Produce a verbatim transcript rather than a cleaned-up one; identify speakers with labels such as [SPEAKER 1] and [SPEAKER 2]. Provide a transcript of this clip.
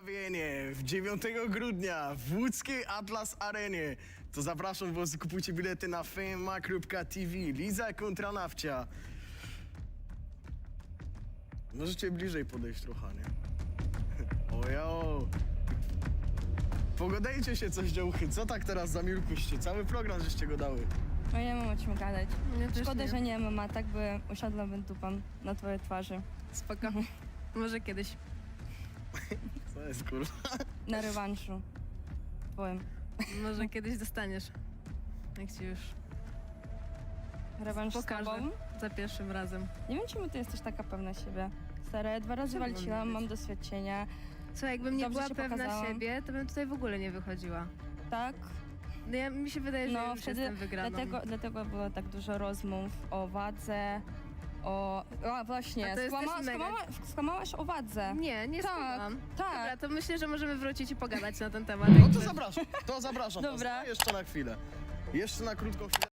[SPEAKER 1] Zestawienie w dziewiątego grudnia w łódzkiej Atlas Arenie. To zapraszam was, kupujcie bilety na fema kropka t v. Liza kontra Nawcia. Możecie bliżej podejść trochę, nie? Ojo. Pogadajcie się coś, działchy. Co tak teraz zamilkłyście? Cały program żeście go dały.
[SPEAKER 2] No nie mam o czym gadać.
[SPEAKER 3] Ja też
[SPEAKER 2] Szkoda,
[SPEAKER 3] nie.
[SPEAKER 2] że nie mam, a tak by usiadłabym dupą na twojej twarzy.
[SPEAKER 3] Spoko. Może kiedyś.
[SPEAKER 1] Co jest, kurwa?
[SPEAKER 2] Na rewanszu. Twoim.
[SPEAKER 3] Może kiedyś dostaniesz. Jak ci już
[SPEAKER 2] Rewanż z
[SPEAKER 3] pokażę
[SPEAKER 2] tobą?
[SPEAKER 3] za pierwszym razem.
[SPEAKER 2] Nie wiem, czemu ty jesteś taka pewna siebie. Stara, dwa razy
[SPEAKER 3] Czemu mam
[SPEAKER 2] walczyłam,
[SPEAKER 3] nie
[SPEAKER 2] mam
[SPEAKER 3] być?
[SPEAKER 2] doświadczenia.
[SPEAKER 3] Słuchaj, jakbym nie
[SPEAKER 2] Dobrze
[SPEAKER 3] była
[SPEAKER 2] się
[SPEAKER 3] pewna
[SPEAKER 2] pokazałam.
[SPEAKER 3] siebie, to bym tutaj w ogóle nie wychodziła.
[SPEAKER 2] Tak?
[SPEAKER 3] No ja, mi się wydaje, że
[SPEAKER 2] No
[SPEAKER 3] już
[SPEAKER 2] wtedy,
[SPEAKER 3] jestem wygraną.
[SPEAKER 2] dlatego, dlatego było tak dużo rozmów o wadze, o... A właśnie,
[SPEAKER 3] A to jest
[SPEAKER 2] skłama,
[SPEAKER 3] też mega-
[SPEAKER 2] skłamała, skłamałaś o wadze.
[SPEAKER 3] Nie, nie
[SPEAKER 2] Tak,
[SPEAKER 3] skłamałam.
[SPEAKER 2] tak.
[SPEAKER 3] Dobra, to myślę, że możemy wrócić i pogadać na ten temat.
[SPEAKER 1] No to zapraszam, to zapraszam.
[SPEAKER 2] Dobra.
[SPEAKER 1] was. No, jeszcze na chwilę. Jeszcze na krótką chwilę.